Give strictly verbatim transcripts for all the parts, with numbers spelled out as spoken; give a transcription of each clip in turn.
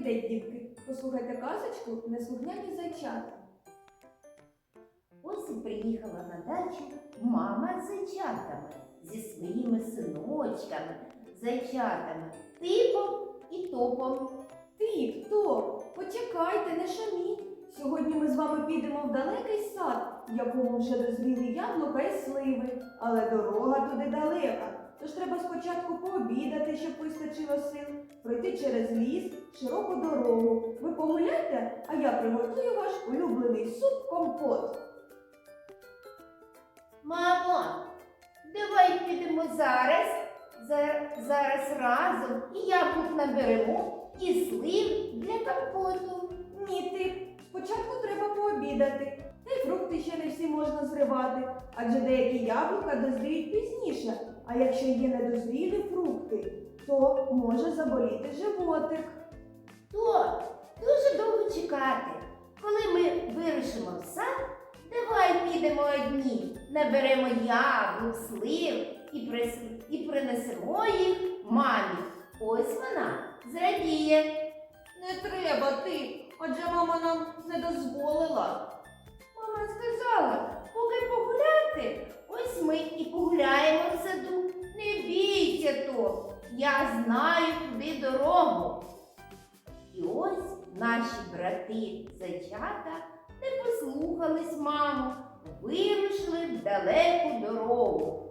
день, дітки! Послухайте казочку «Неслухняні зайчата». Ось і приїхала на дачу мама з зайчатами, зі своїми синочками, зайчатами, Типом і Топом. Ти хто? Почекайте, не шуміть. Сьогодні ми з вами підемо в далекий сад, в якому вже дозріли яблука і сливи. Але дорога туди далека. Тож треба спочатку пообідати, щоб вистачило сил, пройти через ліс, широку дорогу. Ви погуляйте, а я приготую ваш улюблений суп-компот. Мамо, давай підемо зараз, зар- зараз разом і яблук наберемо, і слив для компоту. Ні, ти. Спочатку треба пообідати. Та й фрукти ще не всі можна зривати, адже деякі яблука дозріють пізніше. А якщо є недозрілі фрукти, то може заболіти животик. То дуже довго чекати. Коли ми вирушимо в сад, давай підемо одні, наберемо яблук, слив і, прис... і принесемо їх мамі. Ось вона зрадіє. Не треба ти, адже мама нам не дозволила. Мама сказала, поки погуляти, ось ми і погуляємо в саду. Не бійся, то, я знаю туди дорогу. І ось наші брати-зайчата не послухались маму, вирушили в далеку дорогу.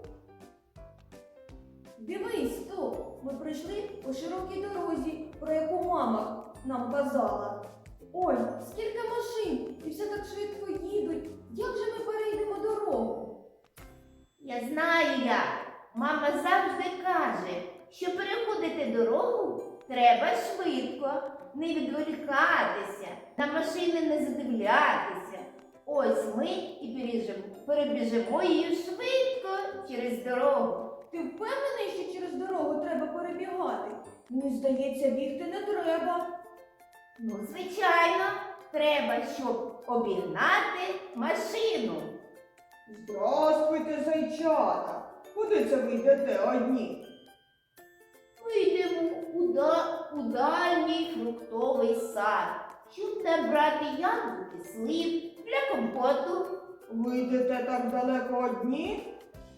Дивись, то, ми прийшли по широкій дорозі, про яку мама нам казала. Ой, скільки машин, і все так швидко їдуть. Як же ми перейдемо дорогу? Я знаю як. Мама завжди каже, що переходити дорогу треба швидко, не відволікатися, на машини не задивлятися. Ось ми і перебіжимо, перебіжимо її швидко через дорогу. Ти впевнений, що через дорогу треба перебігати? Мені здається, бігти не треба. Ну, звичайно, треба, щоб обігнати машину. Здравствуйте, зайчата! Куди це ви йдете одні? Ми йдемо у, да, у дальній фруктовий сад, щоб набрати яблуки, слив для компоту. Ви йдете так далеко одні?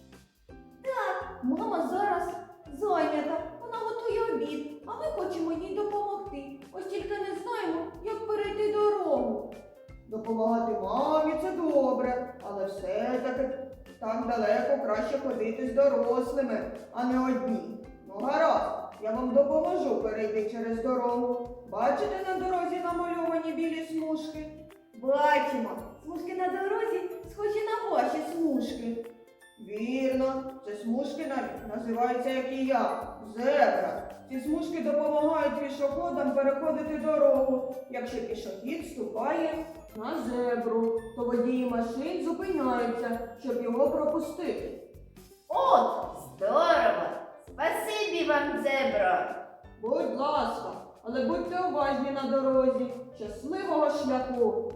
Так, мама зараз зайнята. Вона готує обід, а ми хочемо їй допомогти. Ось тільки не знаємо, як перейти дорогу. Допомагати мамі це добре, але все-таки так далеко краще ходити з дорослими, а не одні. Ну гаразд, я вам допоможу перейти через дорогу. Бачите на дорозі намальовані білі смужки? Бачимо. Смужки на дорозі схожі на ваші смужки. Вірно, це смужки навіть називаються, як і я, зебра. Ці смужки допомагають пішоходам переходити дорогу. Якщо пішохід ступає на зебру, то водії машин зупиняються, щоб його пропустити. От, здорово! Спасибі вам, зебро! Будь ласка, але будьте уважні на дорозі. Щасливого шляху!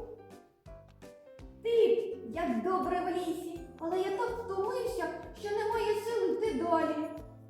Ти, як добре в лісі, але я так втомився, що немає сил йти далі.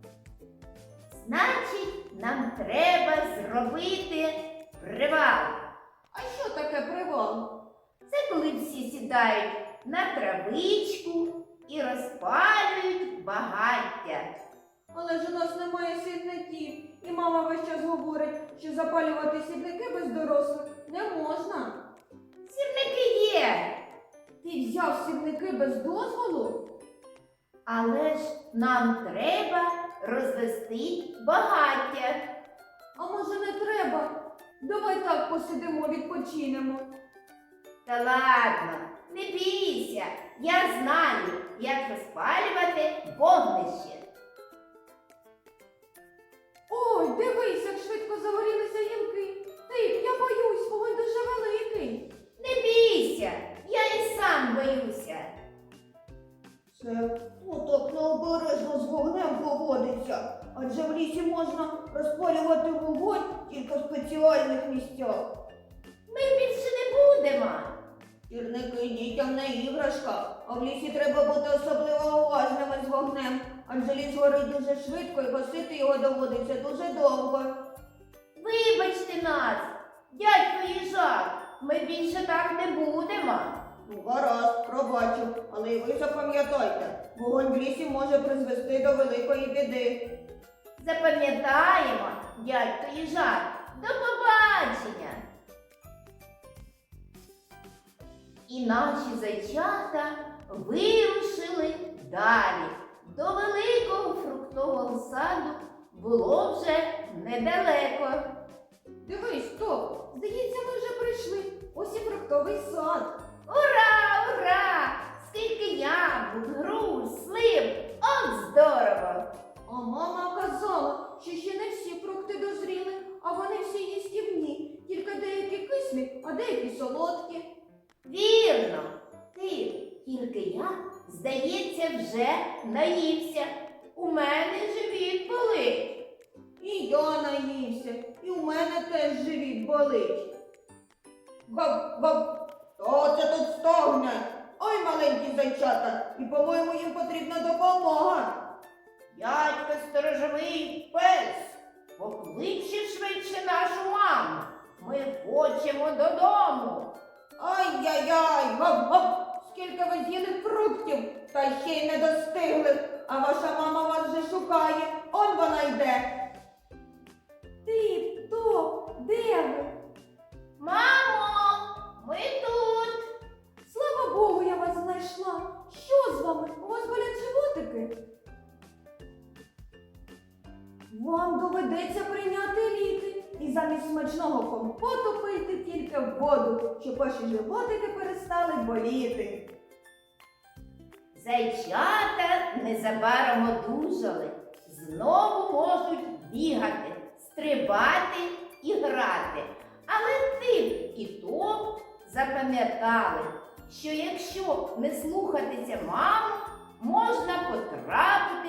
Значить, нам треба зробити привал. А що таке привал? Це коли всі сідають на травичку і розпалюють багаття. Але ж у нас немає сірників, і мама весь час говорить, що запалювати сірники без дорослих не можна. Сірники є, Ти взяв сірники без дозволу? але ж нам треба розвести багаття. А може не треба? Давай так посидимо, відпочинемо. Та ладно, не бійся, я знаю, як розпалювати вогнище. Ой, дивись, як швидко загорілися гілки. Ти, я боюсь, вогонь дуже великий. Не бійся, я і сам боюся. Це отак необережно з вогнем поводиться. Адже в лісі можна розпалювати вогонь тільки в спеціальних місцях. Ми більше не будемо. Сірники дітям не іграшка, а в лісі треба бути особливо уважними з вогнем. Адже ліс горить дуже швидко і гасити його доводиться дуже довго. Вибачте нас, Дядько їжак, ми більше так не будемо. Ну, гаразд, пробачу, але й ви запам'ятайте, вогонь в лісі може призвести до великої біди. Запам'ятаємо, дядько їжак. До побачення. І наші зайчата вирушили далі. До великого фруктового саду було вже недалеко. Дивись, стоп! Здається, ми вже прийшли. Ось і фруктовий сад. Ура, ура! Скільки яблук, груш, слив! От здорово! А мама казала, що ще не всі фрукти дозріли, а вони всі їстівні. Тільки деякі кислі, а деякі солодкі. Вірно! Ти, тільки я, здається, вже наївся. У мене живіт болить. І я наївся, і у мене теж живіт болить. Гап-гап! Хто це тут стогне? Ой, маленькі зайчата, і, по-моєму, їм потрібна допомога. Дядько сторожовий пес, покличе швидше нашу маму. Ми хочемо додому. Ай-яй-яй, гап-гап! Скільки ви з'їли фруктів, та ще й не достигли, а ваша мама вас вже шукає, он вона йде. Ти, хто? Де ви? Мамо, ми тут. Слава Богу, я вас знайшла. Що з вами? У вас болять животики? Вам доведеться прийняти ліки і замість смачного компоту пийте тільки воду, щоб ваші животики перестали боліти. Зайчата незабаром одужали. Знову можуть бігати, стрибати і грати. Але тим і то запам'ятали, що якщо не слухатися маму, можна потрапити